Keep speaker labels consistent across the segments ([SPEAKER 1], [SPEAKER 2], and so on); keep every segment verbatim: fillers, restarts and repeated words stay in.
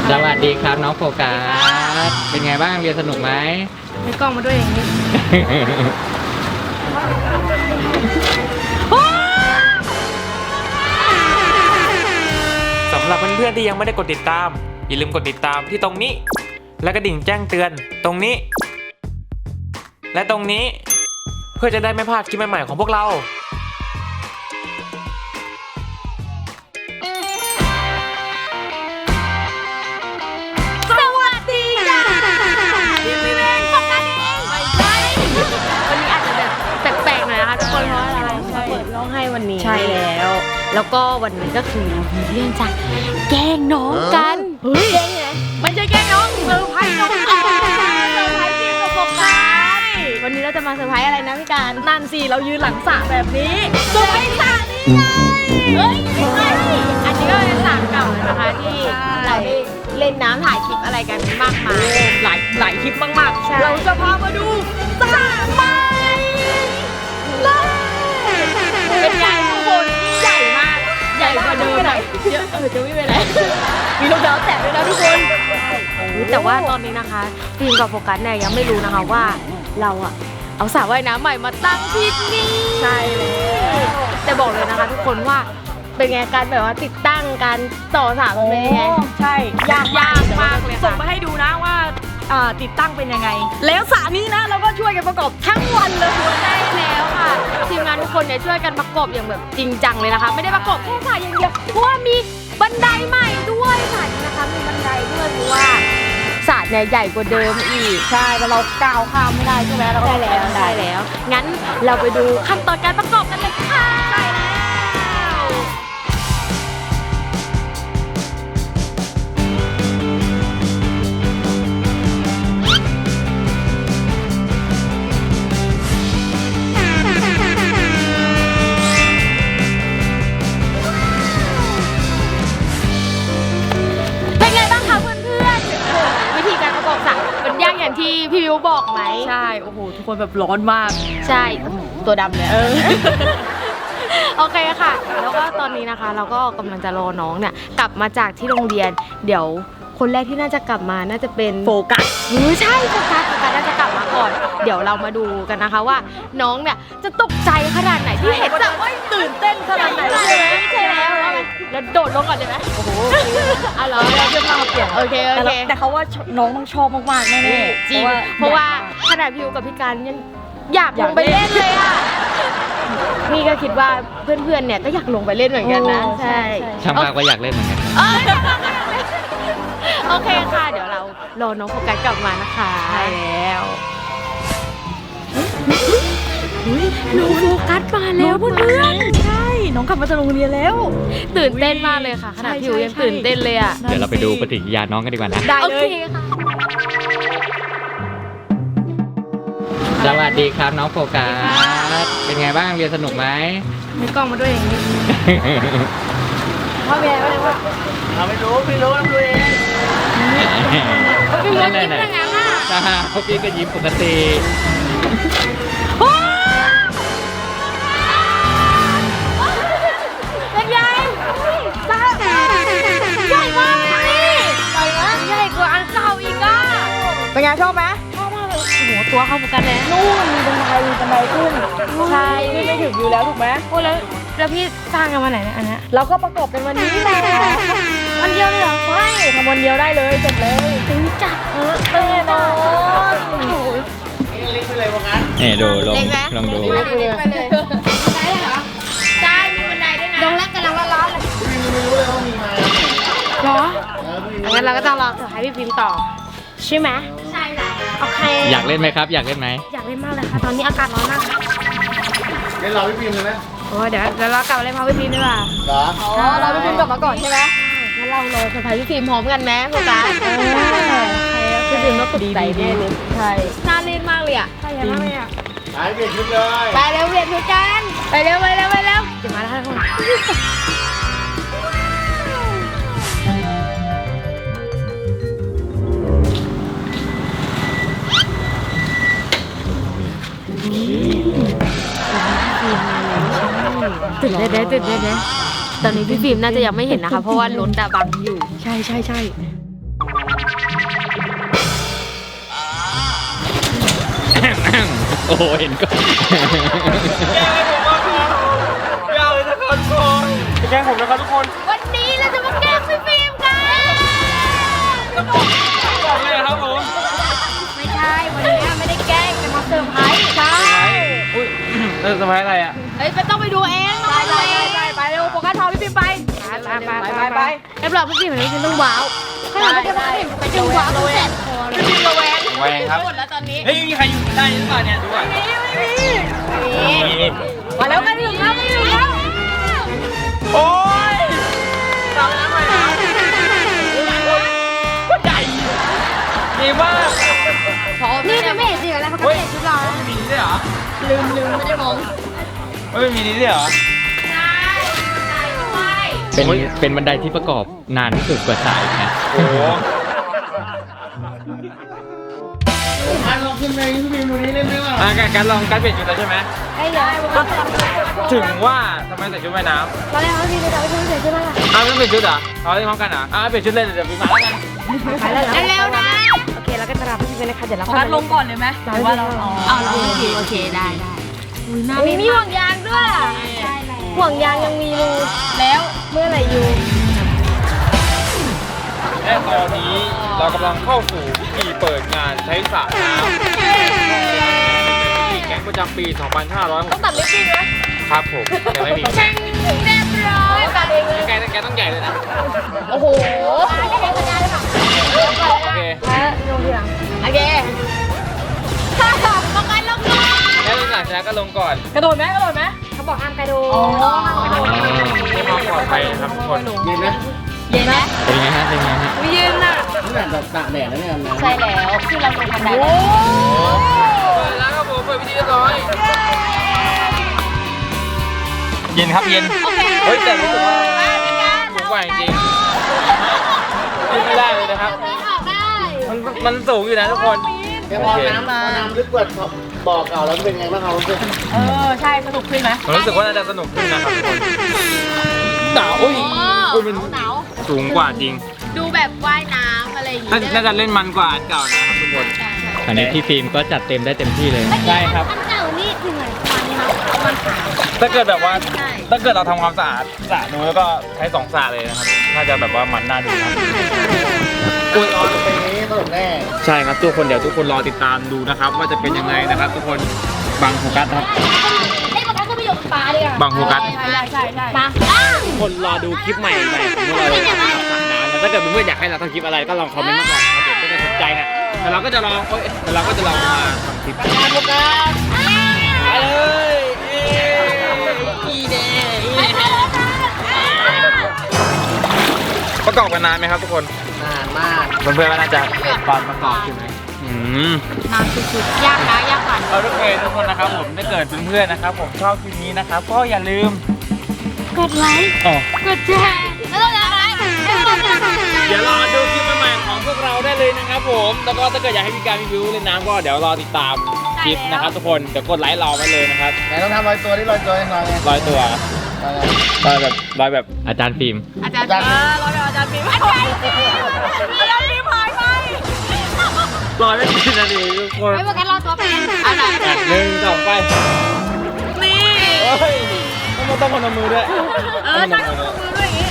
[SPEAKER 1] สวัสดีครับน้องโฟกัสเป็นไงบ้างเรียนสนุกไหม
[SPEAKER 2] มีกล้องมาด้วยอย่างนี้
[SPEAKER 3] สำหรับเพื่อนๆที่ยังไม่ได้กดติดตามอย่าลืมกดติดตามที่ตรงนี้และกระดิ่งแจ้งเตือนตรงนี้และตรงนี้เพื่อจะได้ไม่พลาดคลิปใหม่ๆของพวกเรา
[SPEAKER 2] สวัสดีจ้าพี่พี่เบนของกันเองไม่ใช่วันนี้อาจจะแบบแปลกๆหน่อยนะคะทุกคนเพราะอะไรเปิดร้องไห้วันนี้ใช่แล้วแล้วก็วันนี้ก็คือเรามีเรื่องจะแกล้งน้องกันเฮ้ยแกล้งไงไม่ใช่แกล้งน้องเซอร์ไพรส์น้องเซอร์ไพรส์พี่กับโฟกัสวันนี้เราจะมาเซอร์ไพรส์อะไรนะพี่การนั่นสิเรายืนหลังสระแบบนี้เซอร์ไพรส์สระนี่ไงเฮ้ยไม่ใช่อันนี้ก็เป็นสระเก่านะคะที่เราได้เล่นน้ำถ่ายคลิปอะไรกันมากมายหลายหลายคลิปมากๆเราจะพามาดูสระใหม่เป็นไงทุกคนยิ่งใหญ่มากใหญ่กว่าเดิมเยอะเออจะไม่เป็นไรมีรองเท้าแตะด้วยนะทุกคนแต่ว่าตอนนี้นะคะฟิล์มกับโฟกัสเนี่ยยังไม่รู้นะคะว่าเราอะเอาสระว่ายน้ำใหม่มาตั้งที่นี่ใช่เลยแต่บอกเลยนะคะทุกคนว่าเป็นไงการแบบว่าติดตั้งการต่อสระมันเป็นยังไงใช่ยากยากมากเลยส่งมาให้ดูนะว่าติดตั้งเป็นยังไงแล้วสระนี้นะเราก็ช่วยกันประกอบทั้งวันเลยใช่แล้วค่ะทีมงานทุกคนเนี่ยช่วยกันประกอบอย่างแบบจริงจังเลยนะคะไม่ได้ประกอบแค่สระอย่างเดียวเพราะว่ามีบันไดใหม่ด้วยสระนี้นะคะมีบันไดด้วยเพราะว่าสระเนี่ยใหญ่กว่าเดิมอีกใช่แต่เราก้าวข้ามไม่ได้ใช่ไหมเราได้แล้วได้แล้วงั้นเราไปดูขั้นตอนการประกอบกันเลยค่ะใช่แล้วที่พี่วิวบอกไหมใช่โอ้โหทุกคนแบบร้อนมากใช่ตัวดำเลยเออ โอเคค่ะแล้วก็ตอนนี้นะคะเราก็กำลังจะรอน้องเนี่ยกลับมาจากที่โรงเรียนเดี๋ยวคนแรกที่น่าจะกลับมาน่าจะเป็นโฟกัสเออใช่โฟกัสโฟกัสน่าจะกลับมาก่อนเดี๋ยวเรามาดูกันนะคะว่าน้องเนี่ยจะตกใจขนาดไหนที่เห็นจะว่าตื่นเต้นขนาดไหนใช่ไหมใช่แล้วแล้วโดดลงก่อนเลยไหมโอ้โหอ่ะเหรอเราจะมาเปลี่ยนโอเคโอเคแต่เขาว่าน้องต้องชอบมากๆแน่ๆจริงเพราะว่าขนาดพิวกับพี่การยังอยากลงไปเล่นเลยอ่ะนี่ก็คิดว่าเพื่อนๆเนี่ยก็อยากลงไปเล่นเหมือนกันนะใช่
[SPEAKER 1] ช่างภาพก็อยากเล่นเหมือนกัน
[SPEAKER 2] โอเคค่ะเดี๋ยวเรารอน้องโฟกัสกลับมานะคะใช่แล้วน้องโฟกัสมาแล้วเพื่อนใช่น้องกลับมาจากโรงเรียนแล้วตื่นเต้นมากเลยค่ะขนาดพิวยังตื่นเต้นเลยอ่ะ
[SPEAKER 1] เดี๋ยวเราไปดูปฏิกิริยาน้องกันดีกว่านะ
[SPEAKER 2] ได้เลยค่ะ
[SPEAKER 1] สวัสดีครับน้องโฟกัสเป็นไงบ้างเรียนสนุกไหม
[SPEAKER 2] มีกล้องมาด้วยอย่างนี้พ่อแม่ก็เลยว่าเราไม่รู้ไม่รู้เราดูเองพี่ยิ้มยังไงล่ะ
[SPEAKER 1] จ้าเขาพี่ก็ยิ้มปกติ
[SPEAKER 2] เป็นไงใหญ่มากนี่ใหญ่มากใหญ่กว่าอันเก่าอีกอ่ะเป็นไงชอบไหมชอบมากเลยโอ้โหตัวเข้าเหมือนกันเลยนู่นมีบันไดมีบันไดขึ้นใช่ขึ้นไม่ถึงอยู่แล้วถูกไหมโอ้แล้วแล้วพี่สร้างกันวันไหนเนี่ยอันนี้เราก็ประกอบกันวันนี้แหละวันเดียวเลยเหรอใช่ทำวันเดียวได้เลยเสร็จเลยตึงจัดเออแน่นอน
[SPEAKER 1] เล็กไปเลยว่างั้นนี่ดูลองลองดู
[SPEAKER 2] เล็กไปเลยได้เหรอได้มีบันไดด้วยนะลงแล้วกำลังร้อนๆเลยไม่รู้เลยว่ามีมาเหรองั้นเราก็ต้องรอให้พี่พิมพ์ต่อใช่ไหมใช่แล้วโอเค
[SPEAKER 1] อยากเล่นไหมครับอยากเล่นไหม
[SPEAKER 2] อยากเล่นมากเลยค่ะตอนนี้อากาศร้อนมาก
[SPEAKER 4] เล่นเราพี่พิมพ์เลยไหม
[SPEAKER 2] โอ้เดี๋ยวเดี๋ยวเรากลับมาเล่นพาวพี่พิมพ์ดีกว่า
[SPEAKER 4] เหรอ
[SPEAKER 2] อ๋อเราพี่พิมพ์กลับมาก่อนใช่ไหมงั้นเรารอเซอร์ไพรส์พี่พิมพ์พร้อมกันไหมโฟกัสพี่พิมพ์ต้องตกใจแน่เลยใช่น่าเล่นมากเลยอ่ะใช่มากเลยอ่ะ
[SPEAKER 4] ไปเปลี่ยนชุดเลย
[SPEAKER 2] ไปเร็วเปลี่ยนชุดกันไปเร็วไปเร็วไปเร็วเดี๋ยวมาแล้วทุกคนตื่นเต้นเลยตื่นเต้นเลยตอนนี้พี่ฟิล์มน่าจะยังไม่เห็นนะคะเพราะว่ารถดาบังอยู่ใช่ใช่ใช่
[SPEAKER 1] โอ้โหเห็นก็
[SPEAKER 3] แกล้งผมมากครับไม่เอาเลยนะครับทุกคนแกล้งผมนะครับทุกคน
[SPEAKER 2] วันนี้เราจะมาแกล้งพี่ฟิล์มกัน
[SPEAKER 3] บอกเลยครับผม
[SPEAKER 2] ไม่ใช่ วันนี้ไม่ได้แกล้งจะมาเซอร์ไพรส์ใช่
[SPEAKER 3] อุ้ยเออสบายอะไรอ่ะ
[SPEAKER 2] เฮ้ยไปต้องไปดูเองไปไปไปไปเร็วโฟกัสทองพี่ฟิล์มไปไปไปไปไปเรียบร้อยพี่ฟิล์มเห็นพี่ฟิล์มต้องว้าวขนาดพี่ฟิล์มไปจังหวะเราแหวนพี่ฟิล์มระแวง
[SPEAKER 3] แหวงครับ
[SPEAKER 2] หมดแล้วตอนนี้
[SPEAKER 3] เฮ้ยมีใครอยู่ได้หรือเปล่าเนี่ยดูก่อน
[SPEAKER 2] มาแล้วกันหนึ่งแล้วหนึ่งแล้ว
[SPEAKER 3] โอ้ยตามน้ำไปนะก็ใหญ่ดีมาก
[SPEAKER 2] นี่มันไม่เห็นสิอะไรเขาก็เห็นชุดเรา
[SPEAKER 3] มีนี้ด้วยเหรอ
[SPEAKER 2] ลืมลืมไม่ได้มอง
[SPEAKER 3] ไม่มีนี้ด้วยเหรอ
[SPEAKER 1] เป็นเป็นบันไดที่ประกอบนานที่สุดกว่าสายนะ
[SPEAKER 3] โอ้โห
[SPEAKER 4] อ่ะลองขึ้นไปพี่พิมพ์ดูนี้เล่นไหมล่ะ
[SPEAKER 3] อ่ะการการลองการเปลี่ยนชุดแล้วใช่ไหม
[SPEAKER 2] ไอ้เดี๋ยวไอ้พวกเรา
[SPEAKER 3] ถึงว่าทำไมใส่ชุดว่ายน้
[SPEAKER 2] ตอนแรกเขาพี่จะไปช่วยเฉยใช่ไหมล่ะ
[SPEAKER 3] ำอ้าวไม่เปลี่ยนชุดเหรอเอาเล่นพร้อมกันเหรออ่ะเปลี่ยนชุดเลยเดี๋ยวพี่มาแล้วกัน
[SPEAKER 2] ไปแล้วเร็วนะโอเคแล้วก็จะรับพี่เป็นนะคะเดี๋ยวเราพักลงก่อนเลยไหมหรือว่าเราอ๋อเราโอเคโอเคได้ได้มีมีห่วงยางด้วยห่วงยางยังมีรูแล้วเมื่อไหร่อยู่
[SPEAKER 3] และตอนนี้เรากำลังเข้าสู่พิธีเปิดงานใช้สระน้ำแก๊งประจำปี สองพันห้าร้อยหก
[SPEAKER 2] ต้องตัดลิปบิ้นไหม
[SPEAKER 3] ครับผมยังไม่มี
[SPEAKER 2] เช่งเรียบร้อยตัดเองเลย
[SPEAKER 3] แกแกต้องใหญ่เลยนะ
[SPEAKER 2] โอ้โหไม่ได้สัญญาเลยค่ะ
[SPEAKER 3] โอเค
[SPEAKER 2] แล้วลงทีหลังโอเคถ้าสอบประกันลงก่อน
[SPEAKER 3] แล้วหลังจากนั้นก็ลงก่อน
[SPEAKER 2] กระโดดไหมกระโดดไหมเขาบอกห้ามกระโดดห้ามกระโดด
[SPEAKER 3] เพื่อความปลอดภัยนะครับทุกคน
[SPEAKER 4] เย็นนะ
[SPEAKER 2] เย็นไหม
[SPEAKER 1] เป็นไงฮะเป็นไงฮะ
[SPEAKER 2] ไม่เย็นอ่ะ
[SPEAKER 4] นี่แบบตากแดดแล้วเนี่ยนะ
[SPEAKER 2] ใช่แล้วคือเราลงบันได
[SPEAKER 3] เปิดแล้วครับผมเปิดพิธีเรียบร้อยเย็นครับเย็น
[SPEAKER 2] โอเค
[SPEAKER 3] เฮ้ยแต่รู้สึกว่า
[SPEAKER 2] เป็นการ
[SPEAKER 3] สูงกว่าจริงๆขึ้นไม่ได้เลยนะครับ
[SPEAKER 2] ไม่ออกได้
[SPEAKER 3] มันมันสูงอยู่นะทุกคน
[SPEAKER 4] แค่พอน้ำพอน้ำลึกกว่าบ่อเก่าแล้วเป็นไงบ้างครับเพื่อน
[SPEAKER 2] เออใช่สนุกขึ้นไหม
[SPEAKER 3] ผมรู้สึกว่าน่าจะสนุกขึ้นนะครับทุกคนหนาวอุ้ยอุ้ยมัน
[SPEAKER 2] หนาว
[SPEAKER 3] สูงกว่าจริง
[SPEAKER 2] ดูแบบว่ายน้ำอะไรอย่าง
[SPEAKER 3] น่า
[SPEAKER 2] เงี้ย
[SPEAKER 3] น่าจะเล่นมันกว่าอันเก่านะครับทุกคน
[SPEAKER 1] อันนี้พี่ฟิล์มก็จัดเต็มได้เต็มที่เลย
[SPEAKER 3] ใช่ครับ
[SPEAKER 2] อันเก่านี่คือเหมือนฟันครับ
[SPEAKER 3] ถ้าเกิดแบบว่า
[SPEAKER 2] ใช่
[SPEAKER 3] ถ้าเกิดเราทำความสะอาดสระนู้นแล้วก็ใช้สองสระเลยนะครับน่าจะแบบว่ามันน่าดูครับ
[SPEAKER 4] อุ้ยออนไปนี้สนุกแน่
[SPEAKER 3] ใช่ครับทุกคนเดี๋ยวทุกคนรอติดตามดูนะครับ ว่าจะเป็นยังไงนะครับ ทุกคนบังโฟกัสครับ
[SPEAKER 2] ให้ประกันก็ไปอยู่ปลาดีกว่า
[SPEAKER 3] บังโฟกัส
[SPEAKER 2] ใช่ใช่ใช่ใช่มา
[SPEAKER 3] ทุกคนรอดูคลิปใหม่ใหม่ของพวกเราเลยนะครับสระน้ำแล้วถ้าเกิดเพื่อนๆอยากให้เราทำคลิปอะไรก็ลองคอมเมนต์มาก่อนนะครับเดี๋ยวจะสนใจนะแต่เราก็จะลองเอ้ยแต่เราก็จะลองมาทำคลิปไปเลยอีเดประกอบกันนานไหมครับทุกคน
[SPEAKER 4] นานมาก
[SPEAKER 3] เพื่อนๆว่าน่าจะตอนประกอบใช่ไหมอืม
[SPEAKER 2] น้ำสุดๆยากนะยากกว่า
[SPEAKER 3] เอาทุกคนทุกคนนะครับผมถ้าเกิดเพื่อนๆนะครับ ผมชอบคลิปนี้นะครับก็อย่าลืม
[SPEAKER 2] กดไลค์
[SPEAKER 3] อ๋อก
[SPEAKER 2] ดแชร์แล้วต้องอะไร
[SPEAKER 3] เดี๋ยวรอดูคลิปใหม่ๆของพวกเราได้เลยนะครับผมแล้วก็ถ้าเกิดอยากให้มีการรีวิวเล่นน้ำก็เดี๋ยวรอติดตามคลิปนะครับ ทุกคนเดี๋ยวกดไลค์รอไว้เลยนะครับ
[SPEAKER 4] ไหนต้องทำรอยตัวที่รอยตัวให้หน่อยไง
[SPEAKER 3] ร้อยตัวร้อยแบบร้อยแบบ
[SPEAKER 1] อาจารย์ฟิล์ม
[SPEAKER 2] อาจารย์เออรอเดี๋ยวอาจารย์พิมพ์อาจารย์อาจารย์พิมพ์หายไป
[SPEAKER 3] ร้อยไม่กี่นาทีทุกคน
[SPEAKER 2] ไม่ประกันรอตัวเป็นอะไร
[SPEAKER 3] อ่ะหนึ่งสองไป
[SPEAKER 2] นี่
[SPEAKER 3] เฮ้ยต้องต้องพนมมือด้วย
[SPEAKER 2] เออตั้งมือด้วยอย่างนี้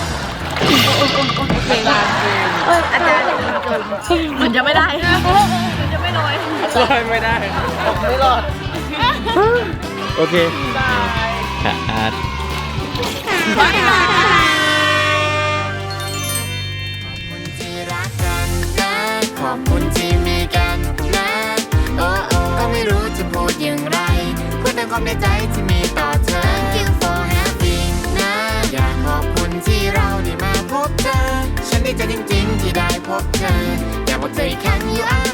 [SPEAKER 2] โอเคเอออาจารย์เหมือนจะไม่ได้เหมือนจะไม่ลอย
[SPEAKER 3] ลอยไม่ได้
[SPEAKER 4] ไม่รอด
[SPEAKER 3] โอเค
[SPEAKER 1] ค่ะอาร์ต
[SPEAKER 2] บ๊ายบาย
[SPEAKER 5] ที่รักกันนะขอบคุณที่มีกันนะโอ้โอ้ก็ไม่รู้จะพูดอย่างไรพูดแต่ความในใจที่มีต่อเธอ Thank you for having นะอยากขอบคุณที่เราได้มาพบเธอ ฉันดีใจจริงๆที่ได้พบเธออยากบอกเธออีกครั้ง you are